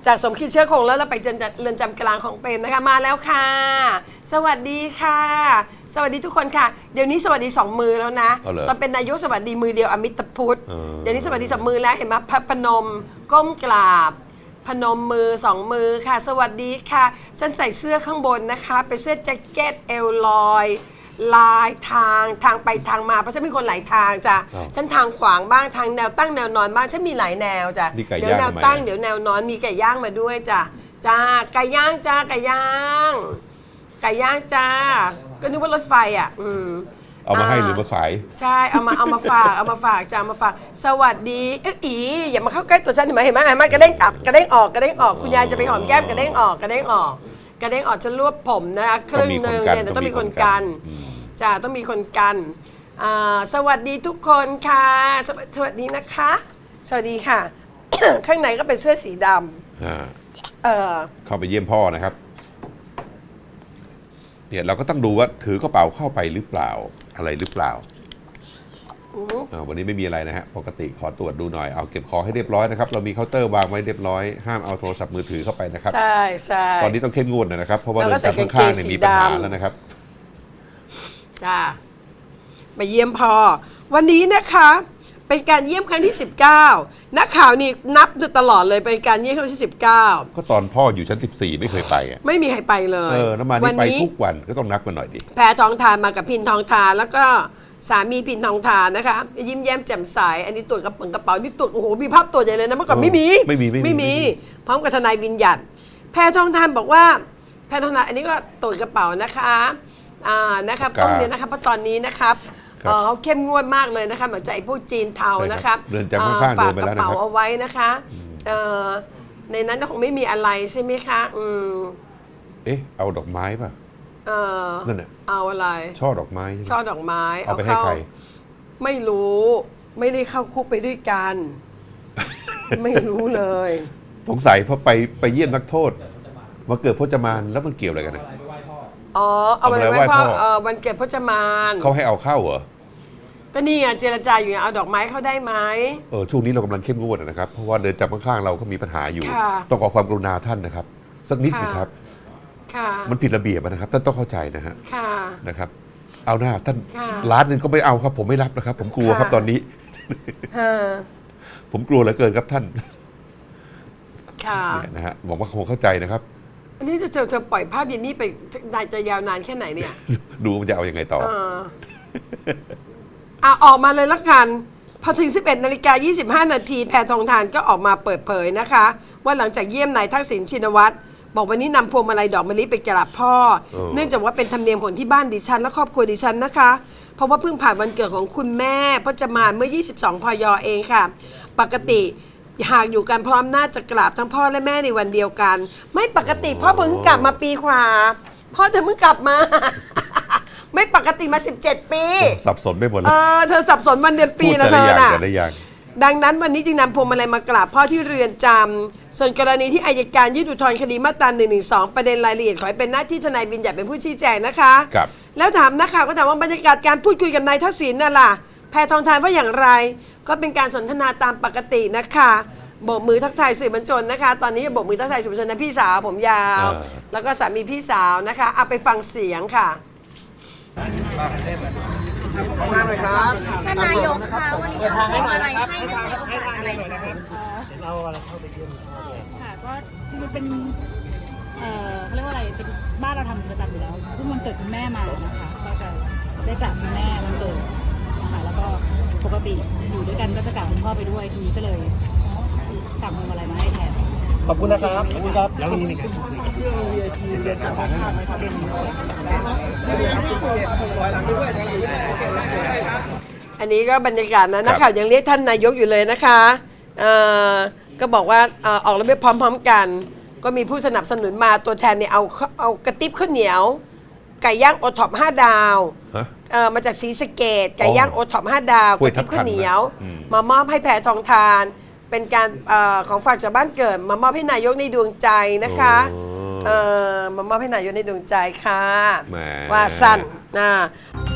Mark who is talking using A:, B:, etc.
A: จากสมคิดเชื้อคงแล้วเราไปเรือนจำกลางของเปรมนะคะมาแล้วค่ะสวัสดีค่ะสวัสดีทุกคนค่ะเดี๋ยวนี้สวัสดี2 มือแล้วนะเราเป็นนายกสวัสดีมือเดียวอมิตรพุทธเดี๋ยวนี้สวัสดี2 มือแล้วเห็นไหมพนมก้มกราบพนมมือ2 มือค่ะสวัสดีค่ะฉันใส่เสื้อข้างบนนะคะเป็นเสื้อแจ็คเก็ตเอวลอยลายทางไปทางมาเพราะฉันเป็นคนหลายทางจ้ะฉันทางขวางบ้างทางแนวตั้งแนวนอนบ้างฉันมีหลายแนวจ้ะเดี๋ยวแนวตั้งเดี๋ยวแนวนอนมีไก่ย่างมาด้วยจ้ะจ้าไก่ย่างจ้าไก่ย่างจ้าก็นึกว่ารถไฟอ่ะ
B: เอามาให้หรือมาขาย
A: ใช่เอามาฝากจ้ามาฝากสวัสดีอีอย่ามาเข้าใกล้ตัวฉันเห็นไหมกระเด้งกลับกระเด้งออกคุณยายจะไปหอมแก้มกระเด้งออกฉันรวบผมนะคะครึ่งนึงเนี่ยต้องมีคนกันจ้าต้องมีคนกันสวัสดีทุกคนค่ะสวัสดีนะคะสวัสดีค่ะ ข้างในก็เป็นเสื้อสีดำ
B: เข้าไปเยี่ยมพ่อนะครับเนี่ยเราก็ต้องดูว่าถือกระเป๋าเข้าไปหรือเปล่าอะไรหรือเปล่าวันนี้ไม่มีอะไรนะฮะปกติขอตรวจดูหน่อยเอาเก็บของให้เรียบร้อยนะครับเรามีเคาน์เตอร์วางไว้เรียบร้อยห้ามเอาโทรศัพท์มือถือเข้าไปนะครับ
A: ใช่
B: ตอนนี้ต้องเข้มงวดนะครับเพราะว่าเรือนจำข้างๆเนี่ยมีปัญหาแล้วนะครับ
A: จ้าไปเยี่ยมพ่อวันนี้นะคะเป็นการเยี่ยมครั้งที่19นักข่าวนี่นับตลอดเลยเป็นการเยี่ยมครั้งที่19
B: ก็ตอนพ่ออยู่ชั้น14ไม่เคยไปอ่ะ
A: ไม่มีใครไปเลย
B: แล้วมานี่ไปทุกวันก็ต้องนับกันหน่อยดิ
A: แพทองทานมากับพินทองทานแล้วก็สามีพินทองทานนะคะยิ้มแย้มแจ่มใสอันนี้ตรวจกระเป๋านี่ตรวจโอ้โหมีภาพตรวจใหญ่เลยนะเมื่อก่อนไม่มีพร้อมกับทนายวิญญัติแพทองทานบอกว่าแพทองทานอันนี้ก็ตรวจกระเป๋านะคะนะครับต้องเรียนนะครับเพราะตอนนี้นะครับเขาเข้มงวดมากเลยนะคะหลังจากพวกจีนเทานะครับฝากกระเป๋าเอาไว้นะคะในนั้นคงไม่มีอะไรใช่ไหมคะ
B: เอาดอกไม้ป่ะนั่นน่ะ
A: เอาอะไร
B: ช่อดอกไม้
A: เอา
B: ไปให้ใคร
A: ไม่รู้ไม่ได้เข้าคุกไปด้วยกัน ไม่รู้เลย
B: สงสัยเพราะไปเยี่ยมนักโทษมาเกิดพจมานแล้วมันเกี่ยวอะไรกันนะ
A: เอาอะไรไว้พ่อวันเกิดพจมาน
B: เขาให้เอาเข้าเหรอ
A: ก็นี่ไงเจรจาอยู่เอาดอกไม้เข้าได้ไหม
B: ช่วงนี้เรากำลังเข้มงวดนะครับเพราะว่าเดินจับข้างๆเราก็มีปัญหาอยู่ต้องขอความกรุณาท่านนะครับสักนิดนะครับมันผิดระเบียบนะครับท่านต้องเข้าใจนะฮะนะครับเอาหน้าท่านล้านนึงก็ไม่เอาครับผมไม่รับนะครับผมกลัวครับตอนนี้ผมกลัวเหลือเกินครับท่านเนี่ยนะฮะบอกว่าคงเข้าใจนะครับ
A: อันนี้จะปล่อยภาพเย็นนี้ไปจะยาวนานแค่ไหนเนี่ย
B: ดูมันจะเอายังไงต่อ
A: ออกมาเลยละกันพอถึง 11:25 นาทีแพทองทานก็ออกมาเปิดเผยนะคะว่าหลังจากเยี่ยมนายทักษิณชินวัตรบอกวันนี้นำพวงมาลัยดอกมะลิไปกราบพ่อเนื่องจากว่าเป็นธรรมเนียมของที่บ้านดิฉันและครอบครัวดิฉันนะคะเพราะว่าเพิ่งผ่านวันเกิดของคุณแม่พจมานเมื่อ22 พยเองค่ะปกติหากอยู่กันพร้อมหน้าจะกราบทั้งพ่อและแม่ในวันเดียวกันไม่ปกติพ่อเพิ่งกลับมาปีกว่าพ่อเธอเพิ่งกลับมา ไม่ปกติมา17 ปี
B: สับสนไปหมดเลย
A: เธอสับสนวันเดือนปีนะเธอน่ะดังนั้นวันนี้จึงนำพวงมาลัยมากราบพ่อที่เรือนจำส่วนกรณีที่อัยการยื่นอุทธรณ์คดีมาตรา112ประเด็นรายละเอียดขอให้เป็นหน้าที่ทนายวิญญัติเป็นผู้ชี้แจงนะคะแล้วถามนักข่าวก็ถามว่าบรรยากาศการพูดคุยกับนายทักษิณน่ะล่ะแพทองทานว่าอย่างไรก็เป็นการสนทนาตามปกตินะคะโบกมือทักทายสื่อมวลชนนะคะตอนนี้โบกมือทักทายสื่อมวลชนนะพี่สาวผมยาวแล้วก็สามีพี่สาวนะคะเอาไปฟังเสียงค่ะ
C: ขอบคุณมากเลยครับท่านนายกค่ะวันนี้ทางให้หน่อยนะครับให้ทางอะไรหน่อยนะครับเราเข้าไปเยี่ยมค่ะก็มันเป็นเขาเรียกว่าอะไรเป็นบ้านเราทำประจำอยู่แล้วเพิ่งวันเกิดคุณแม่มานะคะก็จะได้กราบคุณแม่วันเกิดนะคะแล้วก็ปกติอยู่ด้วยกันก็จะกราบคุณพ่อไปด้วยทีนี้ก็เลยสั่งพวงมาลัยมาให้แทนขอบคุณนะครับขอบคุณครับแล้วนี่ครับเครื่อง VIP เรียนจากทางข้างไหมครับ
A: อันนี้ก็บรรยากาศนะนักข่าวยังเรียกท่านนายกอยู่เลยนะคะก็บอกว่าออกระเบียบพร้อมๆกันก็มีผู้สนับสนุนมาตัวแทนเนี่ยเอากระติบข้าวเหนียวไก่ย่างโอท็อป5 ดาวมาจากศรีสะเกษไก่ย่างโอท็อป5 ดาวกระติบข้าวเหนียวมามอบให้แพทองทานเป็นการของฝากจากบ้านเกิดมามอบให้นายกในดวงใจนะคะมามอบให้นายกในดวงใจค่ะว่าสั้น